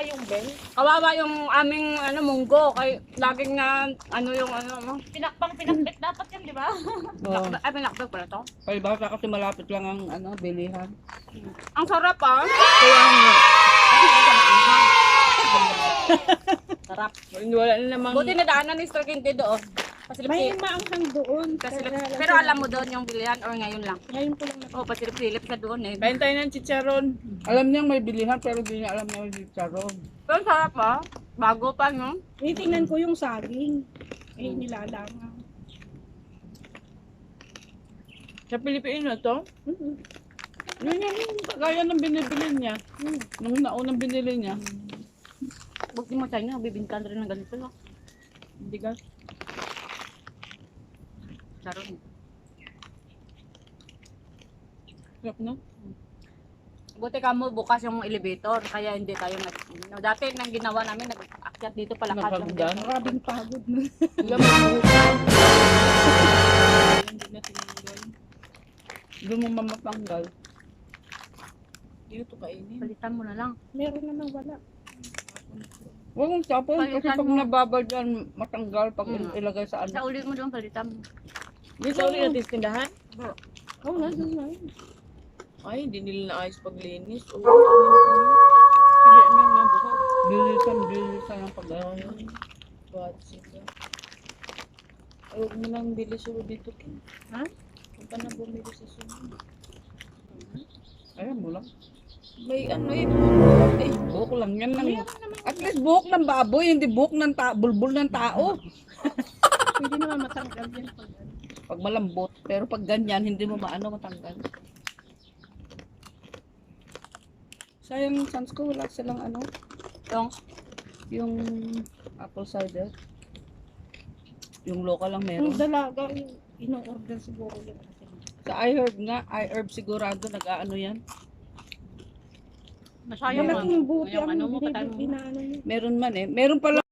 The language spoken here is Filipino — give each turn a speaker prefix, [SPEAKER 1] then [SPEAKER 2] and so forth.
[SPEAKER 1] yung bell.
[SPEAKER 2] Kawawa yung aming munggo. Kay laging na yung
[SPEAKER 1] Pinakpit dapat yan, di ba?
[SPEAKER 2] Ay, pinakbag pala to.
[SPEAKER 3] Kaya baka kasi malapit lang ang bilihan.
[SPEAKER 2] Ang sarap ah.
[SPEAKER 3] Kaya nga.
[SPEAKER 2] Sarap.
[SPEAKER 3] Wala na namang...
[SPEAKER 2] Buti na daanan ni Sir Quinte doon.
[SPEAKER 1] May maanghang doon.
[SPEAKER 2] Pero alam mo doon yung bilihan or ngayon lang?
[SPEAKER 1] Ngayon ko lang
[SPEAKER 2] Oh, pasilip-silip ka doon eh.
[SPEAKER 3] Kain tayo ng chicharon. Alam niyang may bilihan pero di niya alam na may chicharon.
[SPEAKER 2] Pero ang sarap ah. Bago pa no?
[SPEAKER 1] Tingnan ko yung saging. Eh, nilalangang.
[SPEAKER 3] Sa Pilipino to? Yun yung kagaya ng binibili niya. Nung naunang binili niya.
[SPEAKER 2] Huwag di mo tayo na, bibintan rin ng ganito. No?
[SPEAKER 3] Hindi ka.
[SPEAKER 2] Sarap.
[SPEAKER 3] Sarap no?
[SPEAKER 2] Buti ka mo bukas yung elevator, kaya hindi tayo dati nang ginawa namin, nag-akyat dito palakad lang.
[SPEAKER 3] Nakagdan.
[SPEAKER 1] Maraming pagod na.
[SPEAKER 3] Alam mo, hindi na tinanggal. Doon mo mamatanggal. Hindi ito kainin.
[SPEAKER 2] Palitan mo na lang.
[SPEAKER 1] Meron naman wala.
[SPEAKER 3] Huwag mong tapon kasi
[SPEAKER 2] Palitan
[SPEAKER 3] pag
[SPEAKER 2] mo.
[SPEAKER 3] nababad yan, matanggal pag ilagay sa
[SPEAKER 2] Sa
[SPEAKER 3] ano.
[SPEAKER 2] ulit mo doon, palitan mo.
[SPEAKER 3] Dito ulit natin sa tindahan?
[SPEAKER 1] Oo, nandun na yun.
[SPEAKER 3] Ay, hindi nila naayos paglinis.
[SPEAKER 2] Pili mo yung buhok.
[SPEAKER 3] Bilisan ang pag-aaral. Bad sila. Ay, huwag mo nang bili suro dito, Kim.
[SPEAKER 1] Ha?
[SPEAKER 3] Huwag ka na bumili sa sunod. Ayan mo lang. May ano eh. Eh, buhok lang yan. At least buhok ng baboy, hindi buhok ng bulbul ng tao.
[SPEAKER 1] Hindi naman matanggal yan.
[SPEAKER 3] Pag malambot, pero pag ganyan, hindi mo matanggal. Sayang yung sans ko, wala silang yung apple cider. Yung local lang
[SPEAKER 1] Yung
[SPEAKER 3] meron.
[SPEAKER 1] dalaga, yung ino-order siguro yun.
[SPEAKER 3] Sa iHerb sigurado nag-aano yan.
[SPEAKER 2] Masayang
[SPEAKER 1] Malaking buti
[SPEAKER 2] yung
[SPEAKER 1] ang
[SPEAKER 2] mo,
[SPEAKER 1] binibili na ano yun.
[SPEAKER 3] Meron man eh. Meron pala